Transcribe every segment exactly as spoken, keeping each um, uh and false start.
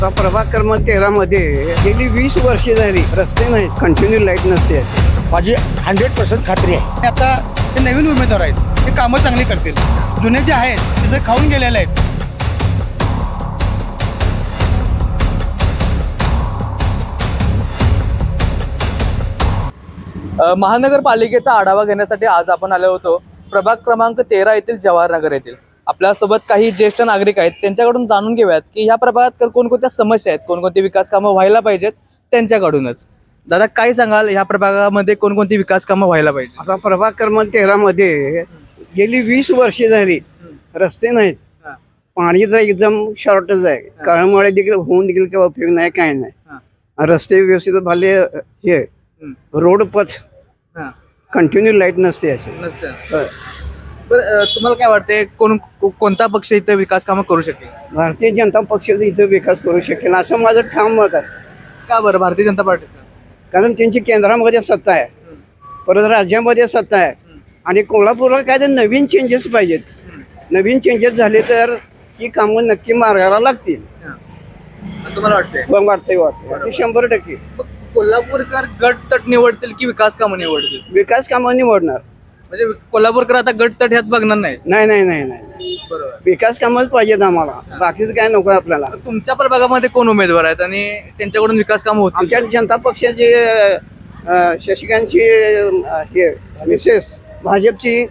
प्रभाग क्रमांक तेरा मध्ये गेली वीस वर्षे झाली रस्ते नाहीत, कंटिन्यू लाईट नसते. माझी हंड्रेड पर्सेंट खात्री आहे. आता ते नवीन उमेदवार आहेत, ते कामं चांगली करतील. जुने जे आहेत ते खाऊन गेलेले आहेत. महानगरपालिकेचा आढावा घेण्यासाठी आज आपण आलो होतो प्रभाग क्रमांक तेरा येथील जवाहरनगर येथील. आपल्यासोबत काही ज्येष्ठ नागरिक आहेत, त्यांच्याकडून जाणून घेऊयात की ह्या प्रभागात कोणकोणत्या समस्या आहेत, कोणकोणती विकास कामं व्हायला पाहिजेत त्यांच्याकडूनच. दादा, काय सांगाल, ह्या प्रभागामध्ये कोणकोणती विकास कामं व्हायला पाहिजे? आता प्रभाग क्रमांक तेरा मध्ये गेली वीस वर्षे झाली रस्ते नाहीत, पाणीचा एकदम शॉर्टेज आहे. काळामुळे देखील होऊन देखील काही उपयोग नाही, काय नाही. रस्ते व्यवस्थित झाले, हे रोड पथ कंटिन्यू लाईट नसते असे नसते. बरं, तुम्हाला काय वाटते, कोण कोणता पक्ष इथे विकास कामं करू शकेल? भारतीय जनता पक्षाचा इथं विकास करू शकेल असं माझं ठाम मत आहे. का बरं भारतीय जनता पार्टी? कारण त्यांची केंद्रामध्ये सत्ता आहे, परत राज्यामध्ये सत्ता आहे, आणि कोल्हापूरला काय तर नवीन चेंजेस पाहिजेत. नवीन चेंजेस झाले तर ही कामं नक्की मार्गाला लागतील तुम्हाला वाटते? वाटतंय वाटतंय शंभर टक्के. कोल्हापूरकर गट तट निवडतील की विकास कामं निवडतील? विकास कामं निवडणार. म्हणजे कोल्हापूरकर आता गट तट ह्यात बघणार नाही? नाही नाही नाही नाही बरोबर. विकास कामच पाहिजेत आम्हाला, बाकीचं काय नको आपल्याला. तुमच्या प्रभागामध्ये कोण उमेदवार आहेत आणि त्यांच्याकडून विकास कामं होतील? आमच्या जनता पक्षाचे अं, शशिकांतची अं, हे मिसेस भाजपची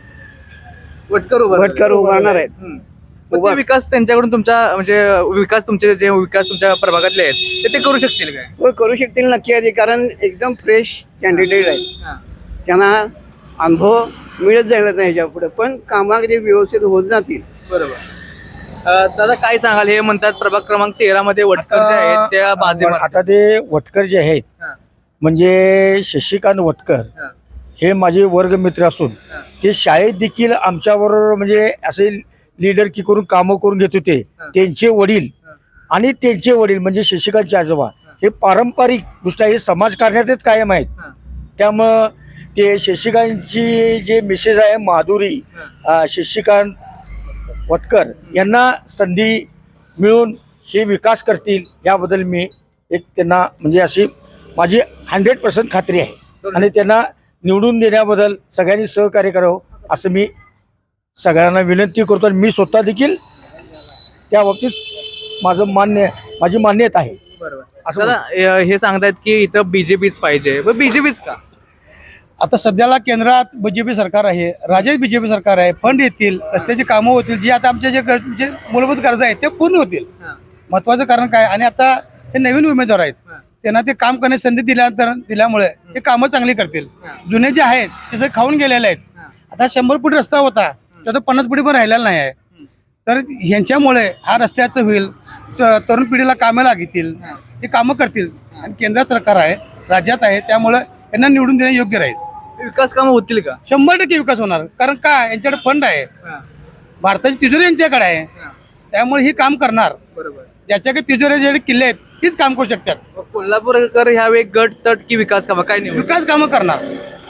वटकर उभा भटकर उभारणार आहेत. मग ते विकास त्यांच्याकडून तुमच्या म्हणजे विकास तुमचे जे विकास तुमच्या प्रभागातले आहेत ते ते करू शकतील काय? हो, करू शकतील नक्की आहे, कारण एकदम फ्रेश कॅन्डिडेट आहे. त्यांना अनुभव मिळत जाईल नाही ह्याच्या पुढे, पण कामामध्ये व्यवस्थित होत जातील. बरोबर. अं, दादा, काय सांगाल, हे म्हणतात प्रभाग क्रमांक तेरा मध्ये वटकर जे आहेत त्या बाजी मारतात. आता ते वटकर जे आहेत, हा. म्हणजे शशिकांत वटकर हा. हे माझे वर्गमित्र असून हा. ते शाळेत देखील आमच्याबरोबर म्हणजे असे लीडर की करून कामं करून घेत होते. हा. त्यांचे वडील हा. आणि त्यांचे वडील म्हणजे शशिकांतचे आजोबा हे पारंपरिक दृष्ट्या हे समाजकारण्यातच कायम आहेत. हा. त्यामुळं ते शशिकांतची जे मिसेस आहे माधुरी अं, शशिकांत वटकर यांना संधी मिळून हे विकास करतील याबद्दल मी एक त्यांना म्हणजे अशी माझी हंड्रेड पर्सेंट खात्री आहे. आणि त्यांना निवडून देण्याबद्दल सगळ्यांनी सहकार्य करावं असं मी सगळ्यांना विनंती करतो. आणि मी स्वतः देखील त्या बाबतीत माझं मान्य माझी मान्यता आहे. बरोबर. असं दादा, अं, हे सांगतायत की इथं बीजेपीच पाहिजे. बीजेपीच का? आता सध्याला केंद्रात बीजेपी सरकार आहे, राज्यात बीजेपी सरकार आहे. फंड येतील, रस्त्याची कामं होतील, जी आता आमचे जे गर- जे मूलभूत गरजा आहेत ते पूर्ण होतील. महत्वाचं कारण काय, आणि आता हे नवीन उमेदवार आहेत, त्यांना ते काम करण्याची संधी दिल्यानंतर दिल्यामुळे ते कामं चांगली करतील. जुने जे आहेत ते खाऊन गेलेले आहेत. आता शंभर फूट रस्ता होता, तर तो पन्नास फुटी पण राहिलेला नाही आहे. तर ह्यांच्यामुळे हा रस्त्याचं होईल, त- तरुण पिढीला कामं लागतील, ते कामं करतील. आणि केंद्रात सरकार आहे, राज्यात आहे, त्यामुळे यांना निवडून देणे योग्य राहील. विकास कामं होतील का? शंभर टक्के विकास होणार. कारण काय, यांच्याकडे फंड आहे, भारताची तिजोरी यांच्याकडे आहे, त्यामुळे ही काम करणार. बरोबर. ज्याच्याकडे तिजोरी जे किल्ले आहेत तीच काम करू शकतात. कोल्हापूरकर ह्यावेळी गट तट की विकास कामं काय निवड? विकास कामं करणार.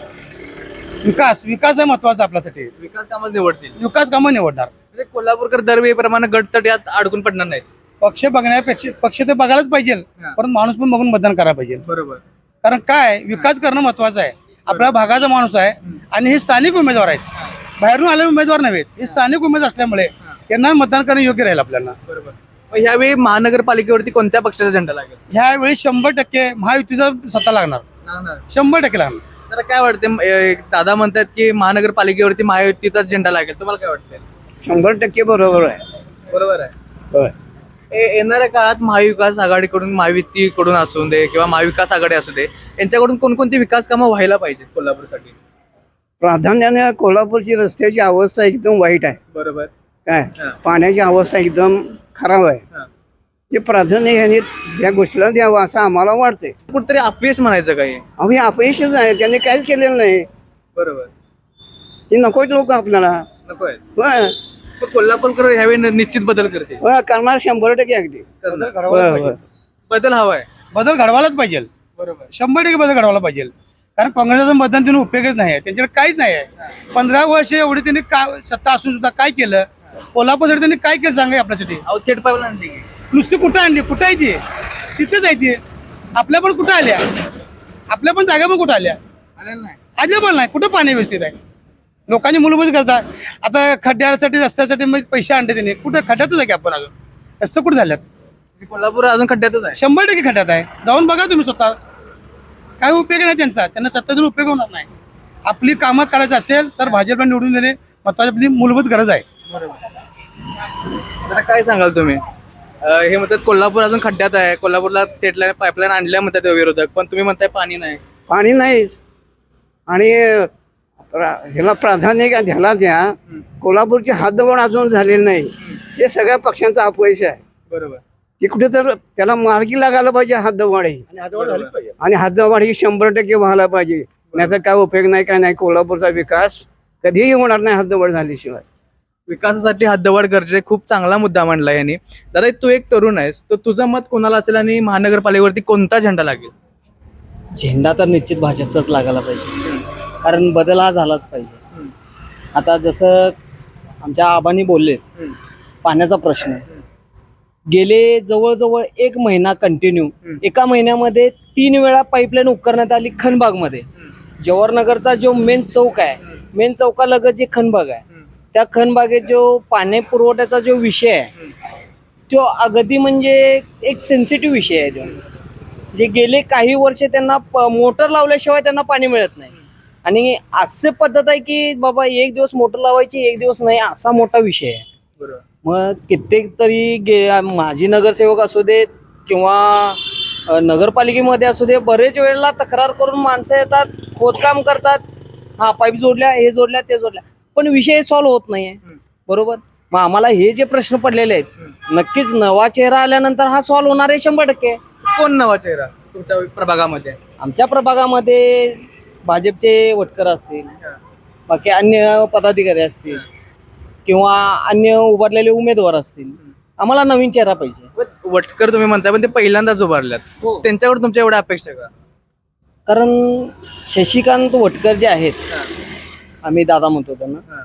विकास विकास आहे महत्वाचा आपल्यासाठी. विकास कामं निवडतील. विकास कामं निवडणार. म्हणजे कोल्हापूरकर दरवेळीप्रमाणे गट तट यात अडकून पडणार नाहीत. पक्ष बघण्यापेक्षा पक्ष तर बघायलाच पाहिजे, परंतु माणूस पण बघून मतदान करायला पाहिजे. बरोबर. कारण काय, विकास करणं महत्वाचं आहे. आपल्या भागाचा माणूस आहे आणि हे स्थानिक उमेदवार आहेत, बाहेरून आलेले उमेदवार नव्हेत. हे स्थानिक उमेदवार असल्यामुळे त्यांना मतदान करणं योग्य राहील आपल्याला. बरोबर. मग ह्यावेळी महानगरपालिकेवरती कोणत्या पक्षाचा झेंडा लागेल? ह्यावेळी शंभर टक्के महायुतीचा सत्ता लागणार. शंभर टक्के लागणार. तर काय वाटते, दादा म्हणतात की महानगरपालिकेवरती महायुतीचाच झेंडा लागेल, तुम्हाला काय वाटतंय? शंभर टक्के बरोबर आहे. बरोबर आहे. होय. ए- येणाऱ्या काळात महाविकास आघाडीकडून, महायुतीकडून असू दे किंवा महाविकास आघाडी असू दे, यांच्याकडून कोणकोणती विकास कामं व्हायला पाहिजेत कोल्हापूरसाठी? प्राधान्याने कोल्हापूरची रस्त्याची अवस्था एकदम वाईट आहे. बरोबर. काय, हा. पाण्याची अवस्था एकदम खराब आहे. हा. ते प्राधान्य ह्याने या गोष्टीला द्यावं असं आम्हाला वाटतंय. कुठतरी अपयश म्हणायचं काही? अहो, हे अपयशच आहे, त्यांनी काहीच केलेलं नाही. बरोबर. हे नकोच लोक आपल्याला. नको आहे. होय, पण कोल्हापूरकर ह्यावेळी निश्चित बदल करते. होय, करणार शंभर टक्के अगदी. बदल होय, घडवायला होय. पाहिजे. बदल हवाय. बदल घडवायलाच पाहिजे. बरोबर. शंभर टक्के बदल घडवायला पाहिजे. कारण काँग्रेसचं मतदान देऊन उपयोगच नाही आहे, त्यांच्याकडे काहीच नाही आहे. पंधरा वर्ष एवढी त्यांनी का सत्ता असून सुद्धा काय केलं? कोल्हापूरसाठी त्यांनी काय केलं सांगा आपल्यासाठी? अहो, थेट पाहिलं नुसती कुठं आणली, कुठं आहे ती? तिथेच आहे ती. आपल्या पण कुठं आल्या, आपल्या पण जागा पण कुठं आल्या, आल्या पण नाही. कुठं पाणी व्यवस्थित आहे? लोकांची मूलभूत करतात. आता खड्ड्यासाठी रस्त्यासाठी मग पैसे आणते त्यांनी, कुठं खड्ड्यातच आहे की आपण अजून? रस्ते कुठे झाल्यात? कोल्हापूर अजून खड्ड्यातच आहे. शंभर टक्के खड्ड्यात आहे. जाऊन बघा तुम्ही स्वतः. काय उपयोग नाही त्यांचा, त्यांना सत्ताचा उपयोग होणार नाही. आपली कामं करायचं असेल तर भाजपला निवडून देणे महत्वाची आपली मूलभूत गरज आहे. आता काय सांगाल तुम्ही? अं, हे म्हणतात कोल्हापूर अजून खड्ड्यात आहे, कोल्हापूरला थेटला पाईपलाईन आणल्या म्हणतात ते विरोधक, पण तुम्ही म्हणताय पाणी नाही. पाणी नाही. आणि प्रा- ह्याला प्राधान्य का ह्याला द्या. कोल्हापूरची हद्दवाढ अजून झालेली नाही. हे सगळ्या पक्षांचा अपयश आहे. बरोबर. की कुठे तर त्याला मार्गी लागायला पाहिजे हद्दवाढी. आणि हद्दवाढ ही शंभर टक्के व्हायला पाहिजे. नाही तर काय उपयोग नाही, काय नाही. कोल्हापूरचा विकास कधीही होणार नाही हद्दवाढ झाल्याशिवाय. विकासासाठी हद्दवाढ गरजे, खूप चांगला मुद्दा मांडला यांनी. दादा, तू एक तरुण आहेस, तर तुझं मत कोणाला असेल आणि महानगरपालिकेवरती कोणता झेंडा लागेल? झेंडा तर निश्चित भाजपचाच लागायला पाहिजे, कारण बदल हा झालाच पाहिजे. आता जसं आमच्या आबांनी बोलले, पाण्याचा प्रश्न गेले जवळजवळ एक महिना कंटिन्यू, एका महिन्यामध्ये तीन वेळा पाईपलाईन उपकरण्यात आली खनबागमध्ये. जवाहरनगरचा जो मेन चौक आहे, मेन चौकालगत जे खनबाग आहे, त्या खनबागेत जो पाणी पुरवठ्याचा जो विषय आहे तो अगदी म्हणजे एक सेन्सिटिव्ह विषय आहे. तो जे गेले काही वर्ष त्यांना मोटर लावल्याशिवाय त्यांना पाणी मिळत नाही. आणि असे पद्धत आहे की बाबा एक दिवस मोटर लावायची, एक दिवस नाही, असा मोठा विषय आहे. मग कित्येक तरी गे माजी नगरसेवक असू देत किंवा नगरपालिकेमध्ये असू दे, बरेच वेळेला तक्रार करून माणसं येतात, खोदकाम करतात, हा पाईप जोडल्या, हे जोडल्या, ते जोडल्या, पण विषय सॉल्व्ह होत नाहीये. बरोबर. मग आम्हाला हे जे प्रश्न पडलेले आहेत, नक्कीच नवा चेहरा आल्यानंतर हा सॉल्व्ह होणार आहे शंभर टक्के. कोण नवा चेहरा तुमच्या प्रभागामध्ये? आमच्या प्रभागामध्ये भाजपचे वटकर असतील, बाकी अन्य पदाधिकारी असतील किंवा अन्य उभारलेले उमेदवार असतील. आम्हाला नवीन चेहरा पाहिजे. वटकर तुम्ही म्हणताय, पण ते पहिल्यांदाच उभारल्यात, त्यांच्याकडे तुमच्या एवढ्या अपेक्षा का? कारण शशिकांत वटकर जे आहेत, आम्ही दादा म्हणतो त्यांना,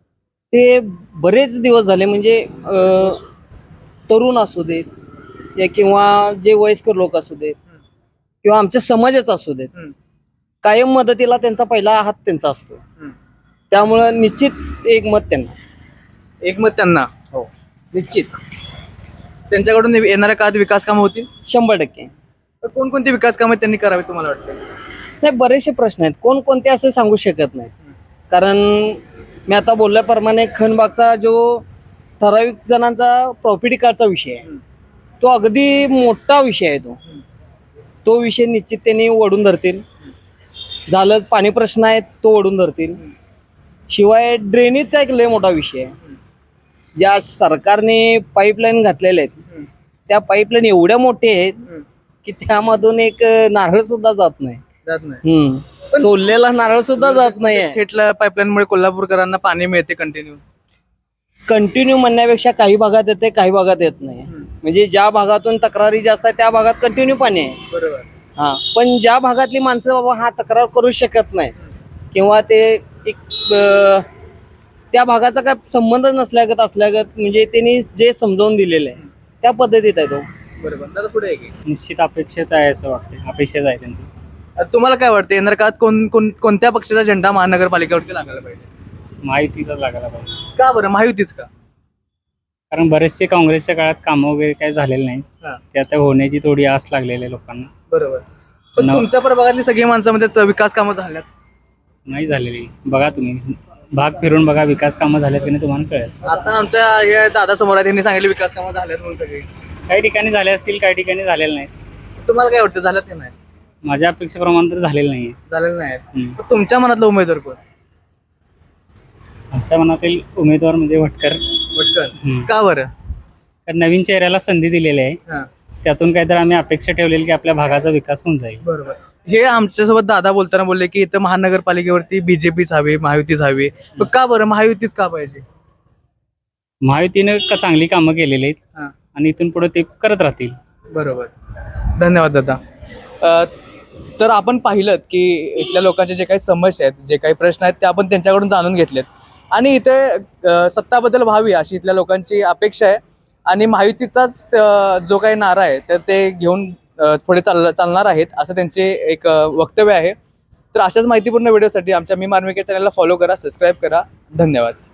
ते बरेच दिवस झाले म्हणजे अ, तरुण असू देत या किंवा जे वयस्कर लोक असू देत किंवा आमच्या समाजाचा असू देत, कायम मदतीला त्यांचा पहिला हात त्यांचा असतो. त्यामुळं निश्चित एक मत त्यांना. एक मत त्यांना? हो, निश्चित. त्यांच्याकडून येणाऱ्या काळात विकास कामं होतील शंभर टक्के. तर कोणकोणती विकास कामं त्यांनी करावी तुम्हाला वाटतं? नाही, बरेचसे प्रश्न आहेत, कोणकोणते असं सांगू शकत नाही. कारण मी आता बोलल्याप्रमाणे खनबागचा जो ठराविक जणांचा प्रॉपर्टी कार्डचा विषय आहे, तो अगदी मोठा विषय आहे. तो तो विषय निश्चित त्यांनी ओढून धरतील. झालंच पाणी प्रश्न आहे, तो ओढून धरतील. शिवाय ड्रेनेजचा एक लय मोठा विषय आहे. ज्या सरकारने पाईपलाईन घातलेल्या आहेत, त्या पाईपलाईन एवढ्या मोठ्या आहेत की त्यामधून एक नारळ सुद्धा जात नाही. जात नाही. हम्म सोललेला नारळ सुद्धा जात नाहीये. थेटला पाईपलाईन मुळे कोल्हापूरकरांना पाणी मिळते कंटिन्यू. कंटिन्यू म्हणण्यापेक्षा काही भागात येते, काही भागात येत नाही. म्हणजे ज्या भागातून तक्रारी जास्त आहे त्या भागात कंटिन्यू पाणी आहे. बरोबर. हा, पण ज्या भागातली माणसं बाबा हा तक्रार करू शकत नाही किंवा ते एक अं, त्या भागाचा काय संबंध नसल्यागत असल्यागत म्हणजे त्यांनी जे समजावून दिलेलं आहे त्या पद्धतीत आहे तो. बरोबर. दादा, पुढे आहे की? निश्चित अपेक्षित आहे असं वाटतं, अपेक्षित आहे त्यांचं. तुम्हाला काय वाटतं, येणाऱ्या काळात कोण कोण कोणत्या पक्षाचा झेंडा महानगरपालिकेवरती लागायला पाहिजे? माहितीचाच लागायला पाहिजे. का बरं? महायुतीच का? कारण बरेचसे काँग्रेसच्या काळात कामं वगैरे काही झालेले नाही, हा. ते आता होण्याची थोडी आस लागलेली आहे लोकांना. बरोबर. पण न- तुमच्या प्रभागातली सगळी माणसामध्ये विकास कामं झाल्यात? नाही झालेली. बघा तुम्ही भाग फिरून बघा, विकास कामं झाल्यात की नाही तुम्हाला कळेल. आता आमच्या हे दादा समोर आहेत, त्यांनी सांगितले विकास कामं झाल्यात म्हणून सगळे. काही ठिकाणी झाले असतील, काही ठिकाणी झालेले नाहीत. तुम्हाला काय वाटतं, झाल्यात की नाही? माझ्या अपेक्षेप्रमाणे तर झालेलं नाही. झालेलं नाही. हम्म. पण तुमच्या मनातला उमेदवार कोण? आमच्या मनातील उमेदवार म्हणजे वटकर. वटकर. हम्म. का बरं? कारण नवीन चेहऱ्याला संधी दिलेली आहे, हा. त्यातून काहीतरी आम्ही अपेक्षा ठेवलेली की आपल्या भागाचा विकास होऊन जाईल. बरोबर. हे आमच्यासोबत दादा बोलताना बोलले की इथं महानगरपालिकेवरती बीजेपीच हवी, महायुतीच हवी. पण का बरं महायुतीच का पाहिजे? महायुतीनं का चांगली कामं केलेली आहेत हा. आणि इथून पुढे ते करत राहतील. बरोबर. धन्यवाद दादा. अ, तर आपण पाहिलं की इथल्या लोकांचे जे काही समस्या आहेत, जे काही प्रश्न आहेत ते आपण त्यांच्याकडून जाणून घेतलेत आणि इथे अ, सत्ता बदल व्हावी अशी इथल्या लोकांची अपेक्षा आहे. आणि महायुतीचाच अ, जो काही नारा आहे तर ते घेऊन अ, पुढे चाल चालणार आहेत असं त्यांचे एक अ, वक्तव्य आहे. तर अशाच माहितीपूर्ण व्हिडिओसाठी आमच्या मी मार्मिक चॅनलला फॉलो करा, सबस्क्राईब करा. धन्यवाद.